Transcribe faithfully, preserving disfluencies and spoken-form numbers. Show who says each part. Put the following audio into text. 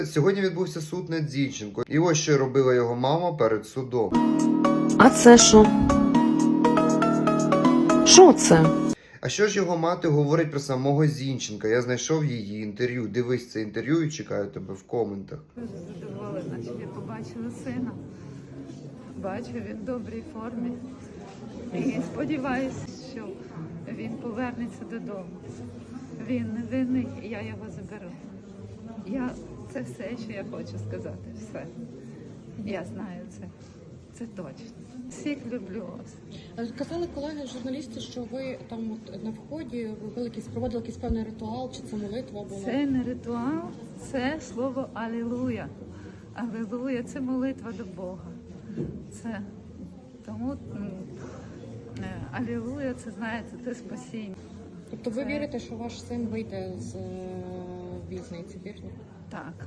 Speaker 1: Сьогодні відбувся суд над Зінченко. І ось що робила його мама перед судом.
Speaker 2: А це що? Що це?
Speaker 1: А що ж його мати говорить про самого Зінченка? Я знайшов її інтерв'ю. Дивись це інтерв'ю і чекаю тебе в коментах.
Speaker 3: Дуже задоволена, що я побачила сина. Бачу, він в добрій формі. І сподіваюся, що він повернеться додому. Він невинний, і я його заберу. Я... Це все, що я хочу сказати. Все. Я знаю це. Це точно. Всіх люблю вас.
Speaker 4: Казали колеги журналісти, що ви там от на вході робили якийсь, проводили якийсь певний ритуал, чи це молитва була?
Speaker 3: Це не ритуал, це слово Алілуя. Алілуя – це молитва до Бога. Це тому м, е, Алілуя – це, знаєте, це спасіння.
Speaker 4: Тобто ви
Speaker 3: Це-
Speaker 4: вірите, що ваш син вийде з е, в'язниці, вірно?
Speaker 3: Так.